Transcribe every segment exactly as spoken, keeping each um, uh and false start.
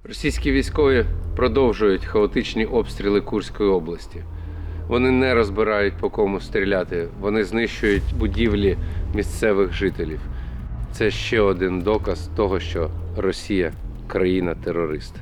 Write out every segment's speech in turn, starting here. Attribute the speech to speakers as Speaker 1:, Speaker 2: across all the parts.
Speaker 1: Російські військові продовжують хаотичні обстріли Курської області. Вони не розбирають, по кому стріляти, вони знищують будівлі місцевих жителів. Це ще один доказ того, що Росія – країна-терорист.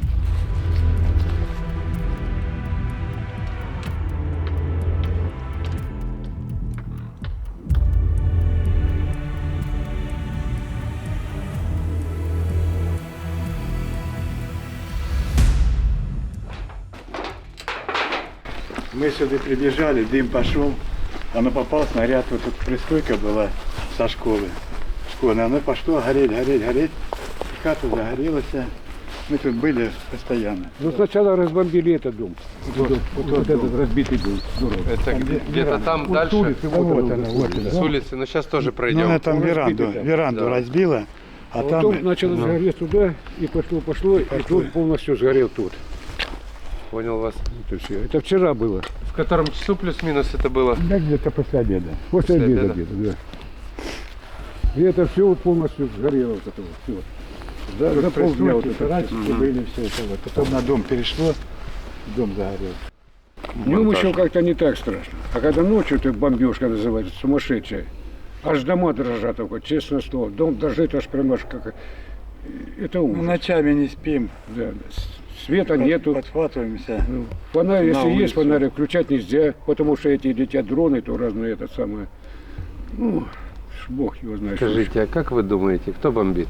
Speaker 2: Мы сюда прибежали, дым пошел, оно попал, снаряд, вот тут пристройка была со школы. Школа, оно пошло гореть, гореть, гореть, хата загорелась. Мы тут были постоянно.
Speaker 3: Ну сначала разбомбили этот дом. Вот, вот, вот, вот этот
Speaker 2: дом.
Speaker 3: разбитый дом. Здорово.
Speaker 1: Это где-то там
Speaker 3: Вот с
Speaker 1: дальше,
Speaker 3: улицы, вот,
Speaker 2: вот
Speaker 3: она,
Speaker 2: она,
Speaker 3: вот она.
Speaker 1: с улицы, но сейчас тоже
Speaker 2: Ну,
Speaker 1: пройдем.
Speaker 2: она там
Speaker 3: Он
Speaker 2: веранду,
Speaker 3: разбитый там.
Speaker 2: веранду
Speaker 1: Да.
Speaker 2: разбила, а
Speaker 3: А
Speaker 2: там...
Speaker 3: потом начало
Speaker 2: ну,
Speaker 3: сгореть туда, и пошло, пошло, и
Speaker 2: Пошло.
Speaker 3: тут полностью сгорел тут.
Speaker 1: Понял вас.
Speaker 3: Вот и всё. Это вчера было.
Speaker 1: В котором часу плюс-минус это было?
Speaker 2: Да, где-то после обеда.
Speaker 3: После,
Speaker 1: После
Speaker 3: обеда,
Speaker 1: обеда?
Speaker 3: где-то, да. И это все полностью сгорело, вот это вот, все. Да, за полдня вот это.
Speaker 2: Раньше были все это вот. Потом на дом перешло, дом загорел.
Speaker 3: Днем
Speaker 1: Монтаж.
Speaker 3: еще как-то не так страшно. А когда ночью ты бомбежка называется, сумасшедшая. Аж дома дрожат только, честное слово. Дом дрожит аж прямо аж как... Это
Speaker 2: Ну,
Speaker 3: ужас.
Speaker 2: ночами не спим,
Speaker 3: Да. Света нету.
Speaker 2: подхватываемся.
Speaker 3: Ну, фонарь,
Speaker 2: На
Speaker 3: если есть
Speaker 2: улицу.
Speaker 3: фонарь, включать нельзя, потому что эти летят дроны, то разные это самое. Ну, ж бог его знает. что
Speaker 1: Скажите, а как вы думаете, кто бомбит?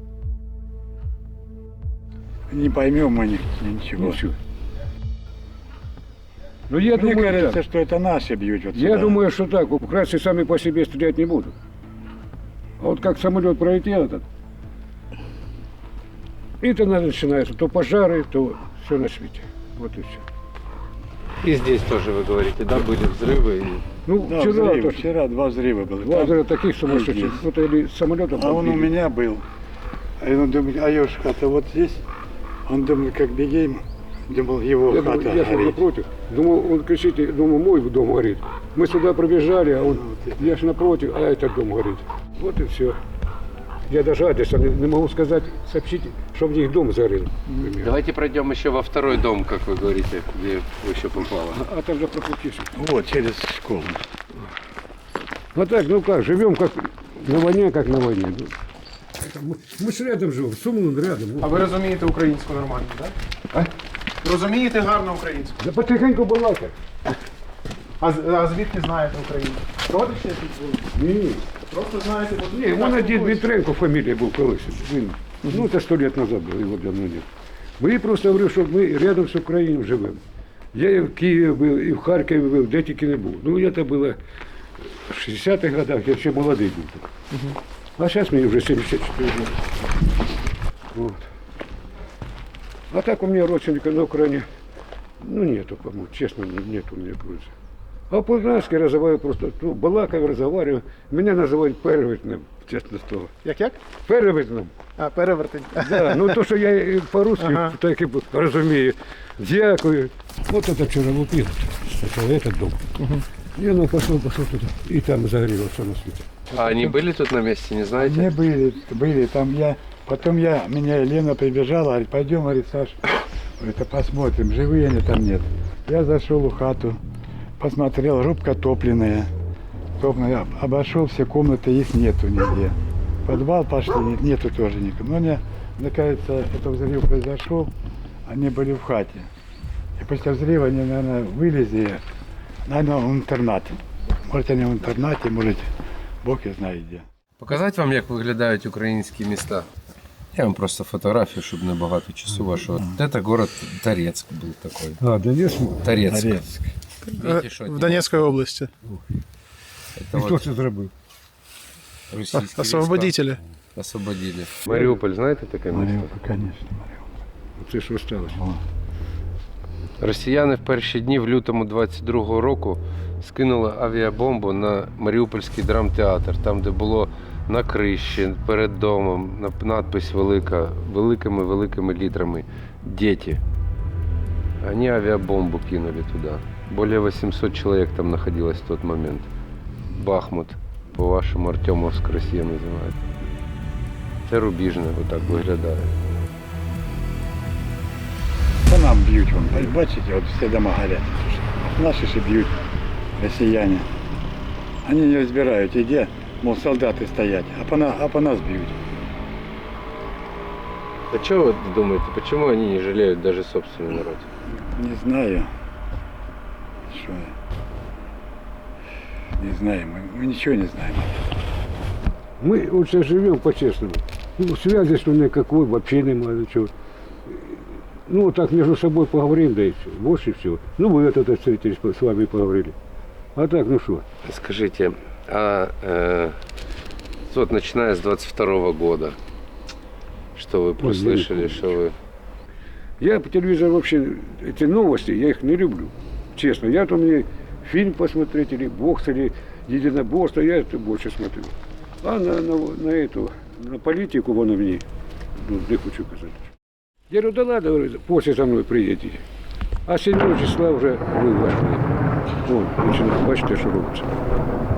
Speaker 2: Не поймем мы ни-
Speaker 3: еще.
Speaker 2: ничего.
Speaker 3: Ничего. Ну, я
Speaker 2: Мне
Speaker 3: думаю,
Speaker 2: кажется,
Speaker 3: так.
Speaker 2: что это наши бьют вот
Speaker 3: Я
Speaker 2: сюда.
Speaker 3: думаю, что так. Украинцы сами по себе стрелять не будут. А вот как самолет пролетел этот, и то начинается то пожары, то все на свете. Вот и все.
Speaker 1: И здесь тоже, вы говорите, да, были взрывы? и-
Speaker 3: Ну,
Speaker 2: Да,
Speaker 3: вчера
Speaker 2: взрывы.
Speaker 3: тоже.
Speaker 2: Вчера два взрыва было.
Speaker 3: Два
Speaker 2: Там-
Speaker 3: взрыва таких сумасшедших.
Speaker 2: есть.
Speaker 3: Вот или самолетом
Speaker 2: А он у
Speaker 3: подбили.
Speaker 2: меня был. А он думает, а его ж хата вот здесь. Он думает, как бегем. Думал, его
Speaker 3: Я,
Speaker 2: хата
Speaker 3: думаю, я шел
Speaker 2: горит.
Speaker 3: напротив. Думал, он кричит, я думаю, мой дом горит. Мы сюда пробежали, а он, я ж напротив, а этот дом горит. Вот и все. Я даже адреса не, не могу сказать, сообщите, что в них дом сгорел. например.
Speaker 1: Давайте пройдем еще во второй дом, как вы говорите, где вы еще попало.
Speaker 3: А, а там же пропустишь.
Speaker 2: Вот, через школу.
Speaker 3: Вот так, ну как, живем как на войне, как на войне. Ну, это Мы, мы ж рядом живем, Сумлун рядом.
Speaker 4: А ви розумієте українську нормально, так?
Speaker 3: А?
Speaker 4: Розумієте гарно українську.
Speaker 3: Да потихеньку балакай.
Speaker 4: А, з- а звідки знаєте українську? Родичі тут були?
Speaker 3: Ні, ні.
Speaker 4: Просто знаєте, бо
Speaker 3: Ні, у мене дід Дмитренко фамілія був колись. Він, ну, це сто років назад було, його давно нет. Бо я просто говорив, що ми рядом з Україною живемо. Я і в Києві був, і в Харкові був, де тільки не був. Ну, це було в шістдесятих годах, я ще молодий був. А зараз мені вже сімдесят чотири роки. Вот. А так у меня родственника на Украине, ну, нету, по-моему, честно, нет у меня грузии. А по-украински разговариваю просто, ну, балакаю, разговариваю. Меня называют перевертным, честно слово.
Speaker 4: Як-як?
Speaker 3: Перевертным.
Speaker 4: А, перевертень.
Speaker 3: Да, ну то, что я и по-русски
Speaker 4: Ага.
Speaker 3: так и разумею. Дякую. Вот это вчера лупил, сначала этот дом. И оно пошло, пошло туда. И там загорелось все на свете.
Speaker 1: А они были тут на месте, не знаете?
Speaker 2: Не были, были, там я, потом я, меня Елена прибежала, говорит, пойдем, говорит, Саш, это посмотрим, живые они там нет. Я зашел в хату, посмотрел, рубка топленная, топленная, обошел все комнаты, их нету нигде. В подвал пошли, нет- нету тоже никого. Но мне, мне кажется, это взрыв произошел, они были в хате. И после взрыва они, наверное, вылезли, наверное, в интернат. Может, они в интернате, может, Бог и знает где.
Speaker 1: Показати вам, як виглядають українські міста? Я вам просто фотографію, щоб не багато часу вашого. Це город Торецк був такий.
Speaker 3: А, да есть?
Speaker 1: Торецк.
Speaker 2: Торецк.
Speaker 1: Видите, що
Speaker 4: В Донецькій області.
Speaker 1: це
Speaker 3: Хто
Speaker 1: от
Speaker 3: це зробив?
Speaker 1: російські
Speaker 4: Освободителі.
Speaker 1: війська освободили. Маріуполь, знаєте таке місто?
Speaker 2: Мариуполь, конечно,
Speaker 3: Це що сталося?
Speaker 1: Росіяни в перші дні в лютому двадцять другого року скинули авіабомбу на Маріупольський драмтеатр, там, де було на криші, перед домом, на- надпись велика, великими-великими літрами «Дети». Они авиабомбу кинули туда. Более восемьсот человек там находилось в тот момент. Бахмут, по-вашому, Артемовск Росія, називають. Це Рубіжне, отак виглядає.
Speaker 2: там б'ють. Вон. Бачите, от всі дома горять. Наші ще б'ють, росіяни. Вони не розбирають, і де, мов, солдати стоять, а по, на, а по нас б'ють.
Speaker 1: А что вы думаете, почему они не жалеют даже собственный народ?
Speaker 2: Не знаю. Що? Не знаю, мы, мы ничего не знаем.
Speaker 3: Мы вот сейчас живем по-честному. Ну, связи что никакой, вообще нема ничего. Ну, вот так между собой поговорим, да и все. Больше всего. Ну, вы это встретились, с вами поговорили. А так, ну что?
Speaker 1: Скажите, а э, вот начиная с двадцать второго года, что вы прослышали,
Speaker 3: помню.
Speaker 1: что вы...
Speaker 3: Я по телевизору вообще, эти новости, я их не люблю. Честно. Я то мне фильм посмотреть, или бокс, или единоборство, я это больше смотрю. А на, на, на эту, на политику вон мне, ну, не хочу сказать. Я говорю, да ладно, говорю, после за мной приедете. А седьмого числа уже вы вошли. Вон, начинаю, бачите, что робиться.